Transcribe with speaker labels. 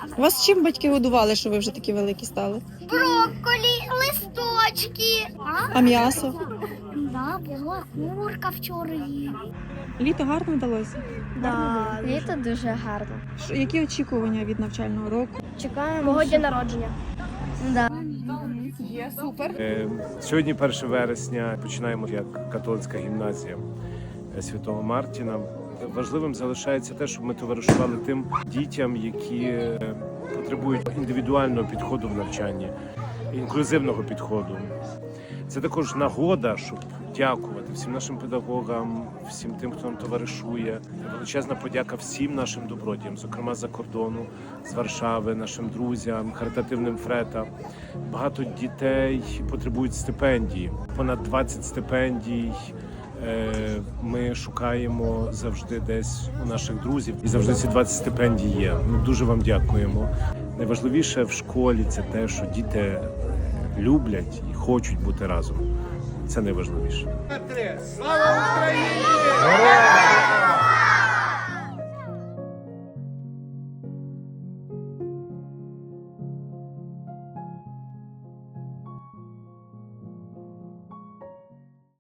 Speaker 1: Вас чим батьки годували, що ви вже такі великі стали?
Speaker 2: Брокколі, листочки.
Speaker 1: А м'ясо?
Speaker 2: Да, була курка вчора є.
Speaker 1: Літо гарно вдалося?
Speaker 2: Да, літо дуже гарно.
Speaker 1: Які очікування від навчального року?
Speaker 2: Чекаємо мого дня народження. Да.
Speaker 3: Сьогодні 1 вересня, починаємо як католицька гімназія Святого Мартіна. Важливим залишається те, щоб ми товаришували тим дітям, які потребують індивідуального підходу в навчанні, інклюзивного підходу. Це також нагода, щоб дякувати всім нашим педагогам, всім тим, хто нам товаришує. Величезна подяка всім нашим добродіям, зокрема з-за кордону, з Варшави, нашим друзям, харитативним Фрета. Багато дітей потребують стипендії. Понад 20 стипендій ми шукаємо завжди десь у наших друзів. І завжди ці 20 стипендій є. Ми дуже вам дякуємо. Найважливіше в школі – це те, що діти люблять і хочуть бути разом. Це найважливіше.
Speaker 4: Слава Україні!